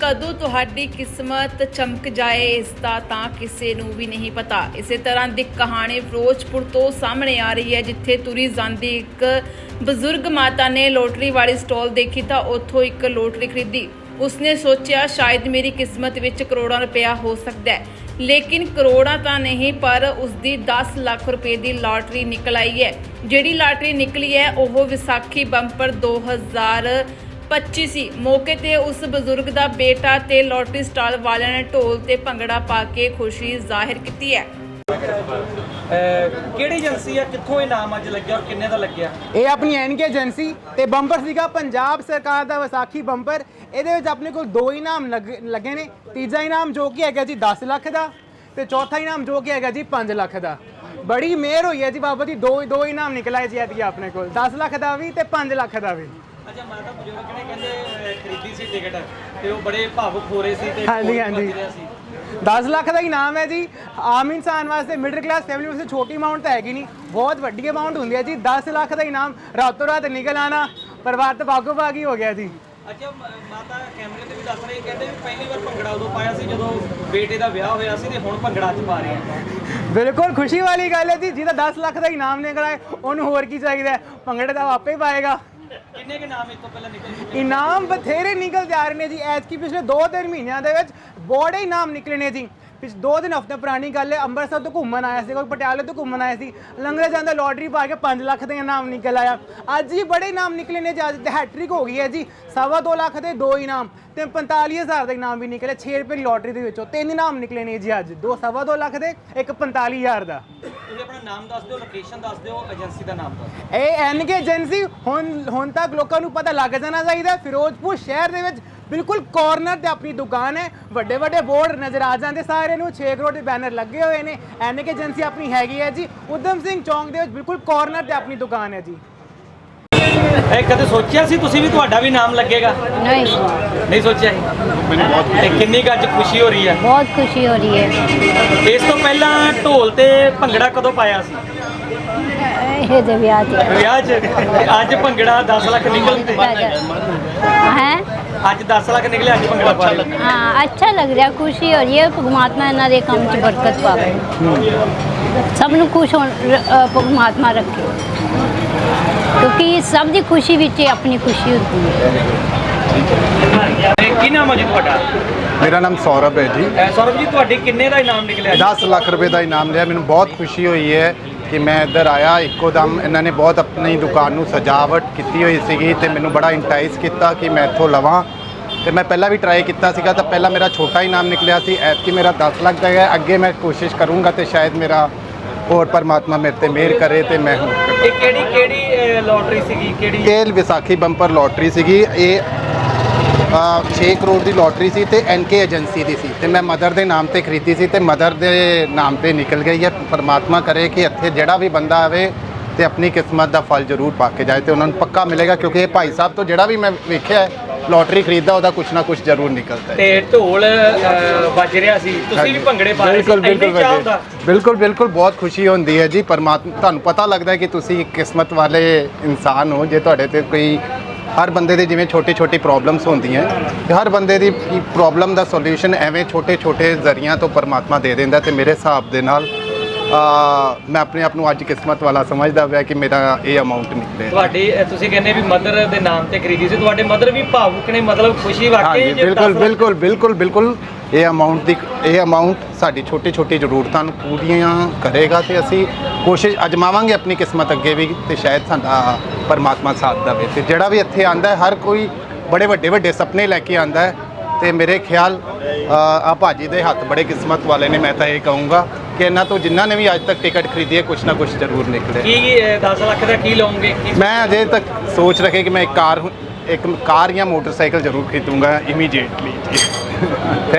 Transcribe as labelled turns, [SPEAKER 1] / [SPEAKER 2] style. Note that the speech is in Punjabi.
[SPEAKER 1] ਕਦੋਂ ਤੁਹਾਡੀ ਕਿਸਮਤ ਚਮਕ ਜਾਏ ਇਸ ਦਾ ਤਾਂ ਕਿਸੇ ਨੂੰ ਵੀ ਨਹੀਂ ਪਤਾ। ਇਸੇ ਤਰ੍ਹਾਂ ਦੀ ਕਹਾਣੀ ਫਿਰੋਜ਼ਪੁਰ ਤੋਂ ਸਾਹਮਣੇ ਆ ਰਹੀ ਹੈ, ਜਿੱਥੇ ਤੁਰੀ ਜਾਂਦੀ ਇੱਕ ਬਜ਼ੁਰਗ ਮਾਤਾ ਨੇ ਲੋਟਰੀ ਵਾਲੀ ਸਟਾਲ ਦੇਖੀ ਤਾਂ ਉੱਥੋਂ ਇੱਕ ਲੋਟਰੀ ਖਰੀਦੀ। ਉਸਨੇ ਸੋਚਿਆ ਸ਼ਾਇਦ ਮੇਰੀ ਕਿਸਮਤ ਵਿੱਚ ਕਰੋੜਾਂ ਰੁਪਇਆ ਹੋ ਸਕਦਾ ਹੈ, ਲੇਕਿਨ ਕਰੋੜਾਂ ਤਾਂ ਨਹੀਂ ਪਰ ਉਸਦੀ 10 ਲੱਖ ਰੁਪਏ ਦੀ ਲਾਟਰੀ ਨਿਕਲ ਆਈ ਹੈ। ਜਿਹੜੀ ਲਾਟਰੀ ਨਿਕਲੀ ਹੈ ਉਹ ਵਿਸਾਖੀ ਬੰਪਰ 2025 ਸੀ। ਮੌਕੇ ਤੇ ਉਸ ਬਜ਼ੁਰਗ ਦਾ ਬੇਟਾ ਤੇ ਲੋਟਰੀ ਸਟਾਲ ਵਾਲਿਆਂ ਨੇ ਢੋਲ ਤੇ ਭੰਗੜਾ ਪਾ ਕੇ ਖੁਸ਼ੀ ਜ਼ਾਹਿਰ ਕੀਤੀ ਹੈ।
[SPEAKER 2] ਕਿਹੜੀ ਏਜੰਸੀ ਆ, ਕਿੱਥੋਂ ਇਨਾਮ ਅੱਜ ਲੱਗਿਆ ਔਰ ਕਿੰਨੇ ਦਾ ਲੱਗਿਆ?
[SPEAKER 3] ਇਹ ਆਪਣੀ ਐਨਕੇ ਏਜੰਸੀ ਤੇ ਬੰਪਰ ਸੀਗਾ ਪੰਜਾਬ ਸਰਕਾਰ ਦਾ ਵਿਸਾਖੀ ਬੰਪਰ। ਇਹਦੇ ਵਿੱਚ ਆਪਣੇ ਕੋਲ 2 ਇਨਾਮ ਲੱਗੇ ਨੇ। ਤੀਜਾ ਇਨਾਮ ਜੋ ਕਿ ਹੈਗਾ ਜੀ 10 ਲੱਖ ਦਾ ਤੇ ਚੌਥਾ ਇਨਾਮ ਜੋ ਕਿ ਹੈਗਾ ਜੀ 5 ਲੱਖ ਦਾ। ਬੜੀ ਮਿਹਰ ਹੋਈ ਹੈ ਜੀ ਬਾਬਾ ਜੀ, ਦੋ ਇਨਾਮ ਨਿਕਲ ਆਏ ਜੀ ਐਤਕੀ ਆਪਣੇ ਕੋਲ, 10 ਲੱਖ ਦਾ ਵੀ ਤੇ 5 ਲੱਖ ਦਾ ਵੀ।
[SPEAKER 2] ਅੱਛਾ, ਮਾਤਾ ਬਜ਼ੁਰਗ ਨੇ ਕਹਿੰਦੇ ਖਰੀਦੀ ਸੀ ਟਿਕਟ ਤੇ ਉਹ ਬੜੇ ਭਾਵੁਕ ਹੋ ਰਹੇ ਸੀ ਤੇ
[SPEAKER 3] ਹਾਂਜੀ 10 ਲੱਖ ਦਾ ਇਨਾਮ ਹੈ ਜੀ। ਆਮ ਇਨਸਾਨ ਵਾਸਤੇ, ਮਿਡਲ ਕਲਾਸ ਫੈਮਿਲੀ ਵਾਸਤੇ ਛੋਟੀ ਅਮਾਉਂਟ ਤਾਂ ਹੈਗੀ ਨਹੀਂ, ਬਹੁਤ ਵੱਡੀ ਅਮਾਉਂਟ ਹੁੰਦੀ ਹੈ ਜੀ। 10 ਲੱਖ ਦਾ ਇਨਾਮ ਰਾਤੋਂ ਰਾਤ ਨਿਕਲ ਆਣਾ, ਪਰਿਵਾਰ ਤਾਂ ਭਾਗੋ ਭਾਗੀ ਹੋ ਗਿਆ ਜੀ।
[SPEAKER 2] ਅੱਛਾ, ਮਾਤਾ ਕੈਮਰੇ ਤੇ ਵੀ ਦੱਸ ਰਹੀ, ਕਹਿੰਦੇ ਵੀ ਪਹਿਲੀ ਵਾਰ ਭੰਗੜਾ ਉਦੋਂ ਪਾਇਆ ਸੀ ਜਦੋਂ ਬੇਟੇ ਦਾ ਵਿਆਹ ਹੋਇਆ ਸੀ ਤੇ ਹੁਣ ਭੰਗੜਾ ਅੱਜ ਪਾ ਰਹੇ ਆ।
[SPEAKER 3] ਬਿਲਕੁਲ ਖੁਸ਼ੀ ਵਾਲੀ ਗੱਲ ਹੈ ਜੀ। ਜਿਹਦਾ 10 ਲੱਖ ਦਾ ਇਨਾਮ ਨਿਕਲ ਆਏ ਉਹਨੂੰ ਹੋਰ ਕੀ ਚਾਹੀਦਾ ਹੈ, ਭੰਗੜੇ ਦਾ ਆਪੇ ਹੀ ਪਾਏਗਾ।
[SPEAKER 2] ਕਿੰਨੇ ਕੁ ਇਨਾਮ ਇਸ ਤੋਂ ਪਹਿਲਾਂ ਨਿਕਲ ਚੁੱਕੇ?
[SPEAKER 3] ਇਨਾਮ ਬਥੇਰੇ ਨਿਕਲ ਜਾ ਰਹੇ ਨੇ ਜੀ। ਐਤਕੀ ਪਿਛਲੇ 2-3 ਮਹੀਨਿਆਂ ਦੇ ਵਿੱਚ ਬੜੇ ਇਨਾਮ ਨਿਕਲੇ ਨੇ ਜੀ। 2-3 ਹਫ਼ਤੇ ਪੁਰਾਣੀ ਗੱਲ ਹੈ, ਅੰਮ੍ਰਿਤਸਰ ਤੋਂ ਘੁੰਮਣ ਆਇਆ ਸੀ, ਕੋਈ ਪਟਿਆਲੇ ਤੋਂ ਘੁੰਮਣ ਆਇਆ ਸੀ, ਲੰਗਰ ਜਾਂਦਾ ਲੋਟਰੀ ਪਾ ਕੇ 5 ਲੱਖ ਦੇ ਇਨਾਮ ਨਿਕਲ ਆਇਆ। ਅੱਜ ਵੀ ਬੜੇ ਇਨਾਮ ਨਿਕਲੇ ਨੇ ਜੀ। ਅੱਜ ਤੇ ਹੈਟ੍ਰਿਕ ਹੋ ਗਈ ਹੈ ਜੀ। 2.25 ਲੱਖ ਦੇ 2 ਇਨਾਮ ਤੇ 45,000 ਦਾ ਇਨਾਮ ਵੀ ਨਿਕਲਿਆ। 6 ਰੁਪਏ ਦੀ ਲੋਟਰੀ ਦੇ ਵਿੱਚੋਂ 3 ਇਨਾਮ ਨਿਕਲੇ ਨੇ ਜੀ ਅੱਜ, 2.25 ਲੱਖ ਦੇ, ਇੱਕ 45,000 ਦਾ।
[SPEAKER 2] ਤੁਸੀਂ ਆਪਣਾ ਨਾਮ ਦੱਸ ਦਿਓ, ਲੋਕੇਸ਼ਨ ਦੱਸ ਦਿਓ, ਏਜੰਸੀ ਦਾ ਨਾਮ ਦੱਸ ਦਿਓ।
[SPEAKER 3] ਇਹ ਐਨਕੇ ਏਜੰਸੀ ਹੁਣ ਤੱਕ ਲੋਕਾਂ ਨੂੰ ਪਤਾ ਲੱਗ ਜਾਣਾ ਚਾਹੀਦਾ। ਫਿਰੋਜ਼ਪੁਰ ਸ਼ਹਿਰ ਦੇ ਵਿੱਚ ਬਿਲਕੁਲ ਕਾਰਨਰ ਤੇ ਆਪਣੀ ਦੁਕਾਨ ਹੈ। ਵੱਡੇ ਵੱਡੇ ਬੋਰਡ ਨਜ਼ਰ ਆ ਜਾਂਦੇ ਸਾਰਿਆਂ ਨੂੰ, 6 ਕਰੋੜ ਦੇ ਬੈਨਰ ਲੱਗੇ ਹੋਏ ਨੇ। ਐਨਕੇ ਏਜੰਸੀ ਆਪਣੀ ਹੈਗੀ ਹੈ ਜੀ ਉਦਮ ਸਿੰਘ ਚੌਂਕ ਦੇ ਵਿੱਚ, ਬਿਲਕੁਲ ਕਾਰਨਰ ਤੇ ਆਪਣੀ ਦੁਕਾਨ ਹੈ ਜੀ।
[SPEAKER 2] ਇਹ ਕਦੇ ਸੋਚਿਆ ਸੀ ਤੁਸੀਂ ਵੀ ਤੁਹਾਡਾ ਵੀ ਨਾਮ ਲੱਗੇਗਾ? ਨਹੀਂ ਸੋਚਿਆ ਸੀ। ਕਿੰਨੀ ਕੁ ਅੱਜ ਖੁਸ਼ੀ ਹੋ ਰਹੀ ਹੈ?
[SPEAKER 4] बहुत खुशी हो रही है।
[SPEAKER 2] ਇਸ ਤੋਂ ਪਹਿਲਾਂ ਢੋਲ ਤੇ ਭੰਗੜਾ ਕਦੋਂ ਪਾਇਆ ਸੀ?
[SPEAKER 4] ये जब याद है।
[SPEAKER 2] ਵਿਆਹ 'ਚ। ਅੱਜ ਭੰਗੜਾ 10 ਲੱਖ ਨਿਕਲਦੇ।
[SPEAKER 4] हैं?
[SPEAKER 2] ਅੱਜ 10 ਲੱਖ ਨਿਕਲੇ, ਅੱਜ ਭੰਗੜਾ ਪਾ ਰਹੇ।
[SPEAKER 4] हाँ, अच्छा लग रहा है, खुशी हो रही है। परमात्मा इन्हों के काम च बरकत पावे, सब नूं खुश हो परमात्मा रखे, क्योंकि सब की खुशी विच अपनी खुशी होती है।
[SPEAKER 2] ਕੀ ਨਾਮ ਹੈ ਜੀ ਤੁਹਾਡਾ?
[SPEAKER 5] ਮੇਰਾ ਨਾਮ ਸੌਰਵ ਹੈ ਜੀ।
[SPEAKER 2] ਸੌਰਵ ਜੀ, ਤੁਹਾਡੀ ਕਿੰਨੇ ਦਾ ਇਨਾਮ ਨਿਕਲਿਆ?
[SPEAKER 5] 10 ਲੱਖ ਰੁਪਏ ਦਾ ਇਨਾਮ ਲਿਆ। ਮੈਨੂੰ ਬਹੁਤ ਖੁਸ਼ੀ ਹੋਈ ਹੈ ਕਿ ਮੈਂ ਇੱਧਰ ਆਇਆ ਇੱਕੋ ਦਮ। ਇਹਨਾਂ ਨੇ ਬਹੁਤ ਆਪਣੀ ਦੁਕਾਨ ਨੂੰ ਸਜਾਵਟ ਕੀਤੀ ਹੋਈ ਸੀਗੀ ਤੇ ਮੈਨੂੰ ਬੜਾ ਇੰਟਾਈਸ ਕੀਤਾ ਕਿ ਮੈਂ ਇੱਥੋਂ ਲਵਾਂ। ਤੇ ਮੈਂ ਪਹਿਲਾਂ ਵੀ ਟਰਾਈ ਕੀਤਾ ਸੀਗਾ ਤਾਂ ਪਹਿਲਾਂ ਮੇਰਾ ਛੋਟਾ ਇਨਾਮ ਨਿਕਲਿਆ ਸੀ। ਐਤਕੀ ਮੇਰਾ 10 ਲੱਖ ਦਾ ਹੈ। ਅੱਗੇ ਮੈਂ ਕੋਸ਼ਿਸ਼ ਕਰੂੰਗਾ ਤੇ ਸ਼ਾਇਦ ਮੇਰਾ ਹੋਰ ਪਰਮਾਤਮਾ ਮੇਰੇ ਤੇ ਮਿਹਰ ਕਰੇ ਤੇ ਮੈਂ ਹੁਣ
[SPEAKER 2] ਇਹ ਕਿਹੜੀ ਲੋਟਰੀ ਸੀਗੀ? ਕਿਹੜੀ?
[SPEAKER 5] ਇਹ ਵਿਸਾਖੀ ਬੰਪਰ ਲੋਟਰੀ ਸੀਗੀ। ਇਹ 6 ਕਰੋੜ ਦੀ ਲੋਟਰੀ ਸੀ ਤੇ ਐਨਕੇ ਏਜੰਸੀ ਦੀ ਸੀ ਤੇ ਮੈਂ ਮਦਰ ਦੇ ਨਾਮ ਤੇ ਖਰੀਦੀ ਸੀ ਤੇ ਮਦਰ ਦੇ ਨਾਮ ਤੇ ਨਿਕਲ ਗਈ ਹੈ। ਪਰਮਾਤਮਾ ਕਰੇ ਕਿ ਇੱਥੇ ਜਿਹੜਾ ਵੀ ਬੰਦਾ ਆਵੇ ਤੇ ਆਪਣੀ ਕਿਸਮਤ ਦਾ ਫਲ ਜ਼ਰੂਰ ਪਾ ਕੇ ਜਾਏ ਤੇ ਉਹਨਾਂ ਨੂੰ ਪੱਕਾ ਮਿਲੇਗਾ, ਕਿਉਂਕਿ ਇਹ ਭਾਈ ਸਾਹਿਬ ਤੋਂ ਜਿਹੜਾ ਵੀ ਮੈਂ ਵੇਖਿਆ ਹੈ ਲੋਟਰੀ ਖਰੀਦਦਾ ਉਹਦਾ ਕੁਛ ਨਾ ਕੁਛ ਜ਼ਰੂਰ ਨਿਕਲਦਾ ਹੈ।
[SPEAKER 2] ਤੇ ਢੋਲ ਵੱਜ ਰਿਹਾ ਸੀ, ਤੁਸੀਂ ਵੀ ਭੰਗੜੇ ਪਾ ਰਹੇ ਸੀ?
[SPEAKER 5] ਬਿਲਕੁਲ ਬਹੁਤ ਖੁਸ਼ੀ ਹੁੰਦੀ ਹੈ ਜੀ। ਪਰਮਾਤਮਾ, ਤੁਹਾਨੂੰ ਪਤਾ ਲੱਗਦਾ ਹੈ ਕਿ ਤੁਸੀਂ ਕਿਸਮਤ ਵਾਲੇ ਇਨਸਾਨ ਹੋ ਜੇ ਤੁਹਾਡੇ ਤੇ ਕੋਈ, ਹਰ ਬੰਦੇ ਦੇ ਜਿਵੇਂ ਛੋਟੀ ਪ੍ਰੋਬਲਮਸ ਹੁੰਦੀਆਂ ਤੇ ਹਰ ਬੰਦੇ ਦੀ ਪ੍ਰੋਬਲਮ ਦਾ ਸੋਲੂਸ਼ਨ ਐਵੇਂ ਛੋਟੇ ਜ਼ਰੀਆਂ ਤੋਂ ਪਰਮਾਤਮਾ ਦੇ ਦਿੰਦਾ। ਤੇ ਮੇਰੇ ਹਿਸਾਬ ਦੇ ਨਾਲ ਮੈਂ ਆਪਣੇ ਆਪ ਨੂੰ ਅੱਜ ਕਿਸਮਤ ਵਾਲਾ ਸਮਝਦਾ ਪਿਆ ਕਿ ਮੇਰਾ ਇਹ ਅਮਾਉਂਟ ਨਿਕਲੇ।
[SPEAKER 2] ਤੁਹਾਡੀ ਤੁਸੀਂ ਕਹਿੰਦੇ ਵੀ ਮਦਰ ਦੇ ਨਾਮ ਤੇ ਖਰੀਦੀ ਸੀ, ਤੁਹਾਡੇ ਮਦਰ ਵੀ ਭਾਵੁਕ ਨੇ, ਮਤਲਬ ਖੁਸ਼ੀ ਵਾਕਈ?
[SPEAKER 5] ਬਿਲਕੁਲ ਇਹ ਅਮਾਉਂਟ ਸਾਡੀ ਛੋਟੀ ਜ਼ਰੂਰਤਾਂ ਨੂੰ ਪੂਰੀਆਂ ਕਰੇਗਾ ਤੇ ਅਸੀਂ ਕੋਸ਼ਿਸ਼ ਅਜਮਾਵਾਂਗੇ ਆਪਣੀ ਕਿਸਮਤ ਅੱਗੇ ਵੀ ਤੇ ਸ਼ਾਇਦ ਸਾਡਾ ਪਰਮਾਤਮਾ ਸਾਥ ਦੇਵੇ। ਤੇ ਜਿਹੜਾ ਵੀ ਇੱਥੇ ਆਂਦਾ ਹੈ ਹਰ ਕੋਈ ਬੜੇ ਵੱਡੇ ਸੁਪਨੇ ਲੈ ਕੇ ਆਂਦਾ ਹੈ ਤੇ ਮੇਰੇ ਖਿਆਲ ਆ ਭਾਜੀ ਦੇ ਹੱਥ ਬੜੇ ਕਿਸਮਤ ਵਾਲੇ ਨੇ। ਮੈਂ ਤਾਂ ਇਹ ਕਹੂੰਗਾ ਕਿ ਇਹਨਾਂ ਤੋਂ ਜਿਨ੍ਹਾਂ ਨੇ ਵੀ ਅੱਜ ਤੱਕ ਟਿਕਟ ਖਰੀਦੀ ਹੈ ਕੁਛ ਨਾ ਕੁਛ ਜ਼ਰੂਰ ਨਿਕਲੇ।
[SPEAKER 2] ਕੀ 10 ਲੱਖ ਦਾ ਕੀ ਲਓਗੇ?
[SPEAKER 5] ਮੈਂ ਅਜੇ ਤੱਕ ਸੋਚ ਰੱਖੇ ਕਿ ਮੈਂ ਇੱਕ ਕਾਰ ਜਾਂ ਮੋਟਰਸਾਈਕਲ ਜ਼ਰੂਰ ਖਰੀਦੂੰਗਾ ਇਮੀਡੀਏਟਲੀ ਜੀ।